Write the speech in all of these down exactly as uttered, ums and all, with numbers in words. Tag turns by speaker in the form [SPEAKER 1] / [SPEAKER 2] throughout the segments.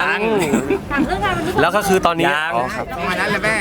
[SPEAKER 1] ยัง
[SPEAKER 2] ถามเรื่องงานวันนี้ก่อน
[SPEAKER 3] แล้วก็คือตอนนี้
[SPEAKER 1] ยัง
[SPEAKER 3] อ๋อครับ
[SPEAKER 4] มานั้นแหละแม่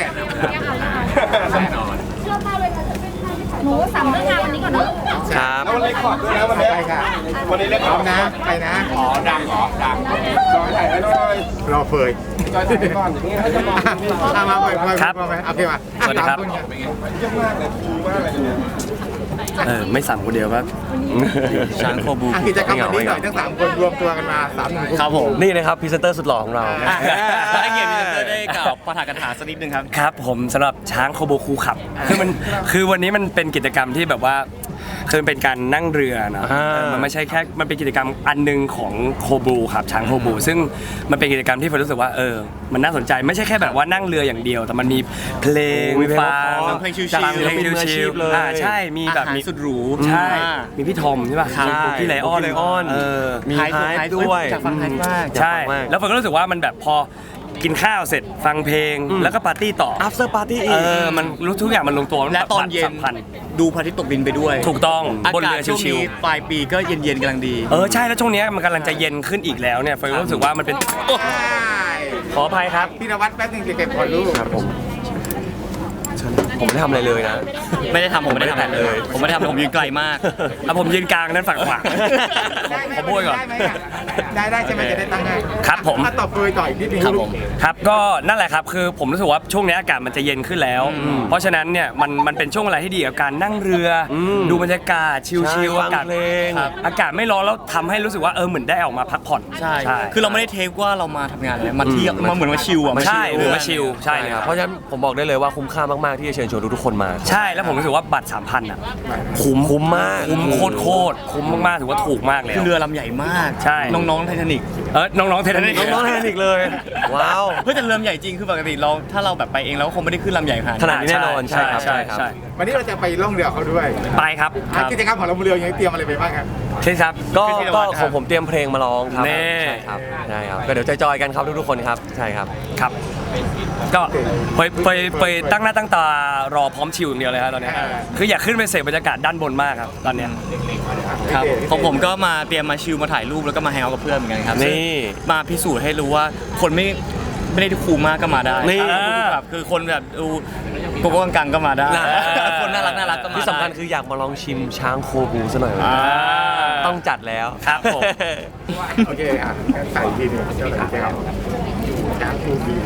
[SPEAKER 2] หนูสามเรื่องงานวันนี้ก่อนเนอะ
[SPEAKER 3] ครับ
[SPEAKER 4] แล้ววันเล็กขอดด้วยนะวันนี้ไปค่ะวันนี้เล็กพร้อมนะไปนะอ๋อดังเหรอดังจอยถ่ายให้หน่อยรอเฟยจอยถ่ายก่อนอย่างนี้ให้จะมองอ่ะมาเฟยเฟย
[SPEAKER 3] ครับ
[SPEAKER 4] โอเคมา
[SPEAKER 3] สวัสดีครับ
[SPEAKER 4] เยี่ยมมากเลยคูมากเลยเนี่ย
[SPEAKER 3] เออไม่สั่งคนเดียวครับ
[SPEAKER 1] ช้างโคบู
[SPEAKER 4] อ่ะกิจกรรมวันนี้หน่อยทั้งสามคนรวมตัวกันมาสามหนึ่ง
[SPEAKER 1] ครับผม
[SPEAKER 3] นี่นะครับพรีเซนเตอร์สุดหล่อของเรา
[SPEAKER 1] ให้เกียรติพี่เตอร์ได้กล่าวปาฐกถาสักนิดนึงครับ
[SPEAKER 3] ครับผมสำหรับช้างโคโบคูขับคือมันคือวันนี้มันเป็นกิจกรรมที่แบบว่าคือเป็นการนั่งเรือเนาะ
[SPEAKER 1] อ่า
[SPEAKER 3] เออมันไม่ใช่แค่มันเป็นกิจกรรมอันหนึงของโคบูครับช้างโคบูซึ่งมันเป็นกิจกรรมที่ผมรู้สึกว่าเออมันน่าสนใจไม่ใช่แค่แบบว่านั่งเรืออย่างเดียว แต่มันมีเพลง
[SPEAKER 1] มีเพลง
[SPEAKER 3] ฟัง
[SPEAKER 1] ฟังเพลงชิลๆ
[SPEAKER 3] ฟังเพลง
[SPEAKER 1] ศิลปินมืออาชี
[SPEAKER 3] ชิล
[SPEAKER 1] พเลย
[SPEAKER 3] ๆอ่าใช่มีแบบ
[SPEAKER 1] อาหาร
[SPEAKER 3] มี
[SPEAKER 1] สุดหรู
[SPEAKER 3] ใช่
[SPEAKER 1] อ่า
[SPEAKER 3] มีพี่ทอมใช่ป่ะ
[SPEAKER 1] ใช่
[SPEAKER 3] มีพี่ไลออน
[SPEAKER 1] พี่ไลออน
[SPEAKER 3] เออ
[SPEAKER 1] มีไฮป์ด้วย
[SPEAKER 3] อยากฟังไฮป์มาก
[SPEAKER 1] ใช่
[SPEAKER 3] ใช่ แล้วผมก็รู้สึกว่ามันแบบพอกินข้าวเสร็จฟังเพลงแล้วก็ปาร์ตี้ต่อ
[SPEAKER 1] after party อี
[SPEAKER 3] เอก อมันรู้ทุกอย่างมันลงตัว
[SPEAKER 1] และตอนเย็น
[SPEAKER 3] สัมพันธ์
[SPEAKER 1] ดูพระอาทิตย์ตกดินไปด้วย
[SPEAKER 3] ถูกต้อง
[SPEAKER 1] อา
[SPEAKER 3] บน
[SPEAKER 1] กาศ
[SPEAKER 3] เรือ
[SPEAKER 1] ช่วง
[SPEAKER 3] ชิว
[SPEAKER 1] นี้ปลายปีก็เย็นๆกำลังดี
[SPEAKER 3] ๆเออใช่แล้วช่วงเนี้ยมันกำลังจะเย็นขึ้นอีกแล้วเนี่ยเฟยรู้สึกว่ามันเป็นโอ้ขออภัยครับ
[SPEAKER 4] พี่นวัดแป๊บนึงจะเก็บก่อนลูก
[SPEAKER 3] ครับผมผมไม่ได้ทำอะไรเลยนะ
[SPEAKER 1] ไม่ได้ทำผมไม่ได้ทำอะไรเลย ผมไม่ได้ทำผมยืนไกลมาก
[SPEAKER 3] อ่ะผมยืนกลางนั้นฝั่งขวา
[SPEAKER 4] ได้ไหม
[SPEAKER 3] ขอโบยก่อน
[SPEAKER 4] ได้ไหมอ่ะได้ได้ใช่ไหมจะได้ตั้งให้
[SPEAKER 3] ครับผม
[SPEAKER 4] อ่ะต่อเฟยต่ออีกนิดนึง
[SPEAKER 1] ครับ
[SPEAKER 4] ลูก
[SPEAKER 1] ผม
[SPEAKER 3] ครับก็นั่นแหละครับคือผมรู้สึกว่าช่วงนี้อากาศมันจะเย็นขึ้นแล้ว เพราะฉะนั้นเนี่ยมันมันเป็นช่วงเวลาที่ดีกับการนั่งเรืออดูบรรยากาศชิล
[SPEAKER 1] ใช่
[SPEAKER 3] ๆ
[SPEAKER 1] ฟั
[SPEAKER 3] อาง กาศ
[SPEAKER 1] เพลง
[SPEAKER 3] ครับอากาศไม่ร้อนแล้วทำให้รู้สึกว่าเออเหมือนได้ออกมาพักผ่อน
[SPEAKER 1] ใช่ คือเราไม่ได้เทคว่าเรามาทำงานเลยมาเที่ยวมาเหมือนมาชิลอ่ะ
[SPEAKER 3] ใช่หรือมา
[SPEAKER 1] เ
[SPEAKER 3] ชิลใช่เลยครับ
[SPEAKER 5] เพราะฉะนั้นผมบอกได้เลยว่าคุ้มค่ามาก ๆ ที่จะเชิญชวนทุกๆคนมา
[SPEAKER 3] ใช่แล้วผมรู้สึกว่าบัตรสามพันอ่ะคุ้ม
[SPEAKER 5] คุ้มมาก
[SPEAKER 3] คุ้มโคตรโคตรคุ้มมากๆถือว่าถูกมากเลย
[SPEAKER 1] คือเรือลำใหญ่มาก
[SPEAKER 3] ใช่
[SPEAKER 1] น้องๆไททานิก
[SPEAKER 3] เออน้องๆเทนนิส
[SPEAKER 1] น้องๆไททานิกเลย
[SPEAKER 5] ว้าว
[SPEAKER 1] เพื่อแต่เรือลำใหญ่จริงคือปกติเราถ้าเราแบบไปเองเราก็คงไม่ได้ขึ้นลำใหญ่ขนาด
[SPEAKER 5] ขนาดนี้แน่นอนใช่ครับ
[SPEAKER 3] ใช่
[SPEAKER 5] ใช่
[SPEAKER 3] ใช่
[SPEAKER 4] วันนี้เราจะไปล่องเรือเขาด้วย
[SPEAKER 3] ไปครับ
[SPEAKER 4] อ่ะกิจกรรมของเราบนเรือยังเตรียมอะไรไปบ้างครับ
[SPEAKER 3] ใช่ครับ
[SPEAKER 5] ก็
[SPEAKER 3] ขึ้นที่
[SPEAKER 5] ก็
[SPEAKER 3] วัด
[SPEAKER 5] ข
[SPEAKER 3] ครั
[SPEAKER 5] อบ งผมเตรียมเพลงมาร้องครับ
[SPEAKER 3] แน่
[SPEAKER 5] ใช่ครับใช่ครับก็เดี๋ยวจอยๆกันครับทุกๆคนครับใช่ครับ
[SPEAKER 3] ครับ ก็ไปไปไปตั้งหน้าตั้งตารอพร้อมชิวอย่างเดียวเลยครับตอนเนี้ยคืออยากขึ้นไปเสพบรรยากาศด้านบนมากครับตอนเนี้ย
[SPEAKER 1] ครับของผมก็มาเตรียมมาชิลมาถ่ายรูปแล้วก็มาแฮงเอาท์กับเพื่อนเหมือนกันครับ
[SPEAKER 5] นี่
[SPEAKER 1] มาพิสูจน์ให้รู้ว่าคนไม่ไม่ได้คูลมากก็มาได้
[SPEAKER 5] นี่
[SPEAKER 1] แบบคือคนแบบดูโกโก้กังๆก็มาได้
[SPEAKER 5] น่า
[SPEAKER 1] คนน่ารักน่ารักก็มา
[SPEAKER 5] ที่สำคัญคืออยากมาลองชิมช้างโคบูซะหน่อย
[SPEAKER 3] อ่า
[SPEAKER 5] ต้องจัดแล้ว
[SPEAKER 3] ครับผม
[SPEAKER 4] โอเคอ่ะใส่ทีหนึงเจ้าหน้าที่ครับช้างคูบี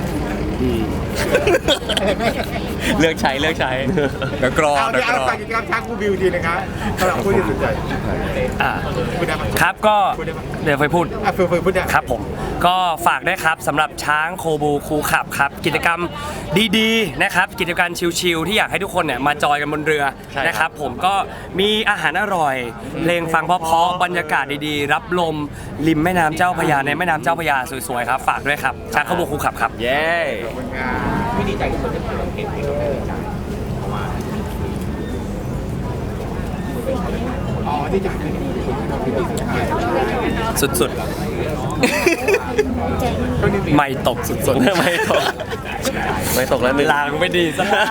[SPEAKER 1] เลือกใช้เลือกใช้เดี๋ยวกรอ
[SPEAKER 4] เอา
[SPEAKER 1] เดี๋
[SPEAKER 4] เดี๋
[SPEAKER 1] ย
[SPEAKER 4] ยว ว
[SPEAKER 1] กร
[SPEAKER 4] เอา
[SPEAKER 1] อ
[SPEAKER 4] ใส่กิจกรรมช้างคูบิวทีนะครับสำหรับผู้ที่สนใจ
[SPEAKER 3] อ่า
[SPEAKER 4] พูดได้ไหม
[SPEAKER 3] ครับก็เดี๋ยวไปพูด
[SPEAKER 4] อ่ะเฟยเฟยพูดได้
[SPEAKER 3] ครับผมก็ฝากด้วยครับสำหรับช้างโคบูคูขับครับกิจกรรมดีๆนะครับกิจกรรมชิลๆที่อยากให้ทุกคนเนี่ยมาจอยกันบนเรือ
[SPEAKER 1] ใช่ครับ
[SPEAKER 3] นะครับผมก็มีอาหารอร่อยเพลงฟังเพราะๆบรรยากาศดีๆ รับลมริมแม่น้ำเจ้าพระยาในแม่น้ำเจ้าพระยาสวยๆครับฝากด้วยครับช้างโคบูคูขับครับ
[SPEAKER 5] เย้
[SPEAKER 4] ขอบคุณครับอ๋อที่จะเป็น
[SPEAKER 3] สุดๆ ไม่ตกสุดๆ ไม่ตก
[SPEAKER 5] ไม่ตกแล้วหนึ่ง
[SPEAKER 3] ลางไม่ดีซะ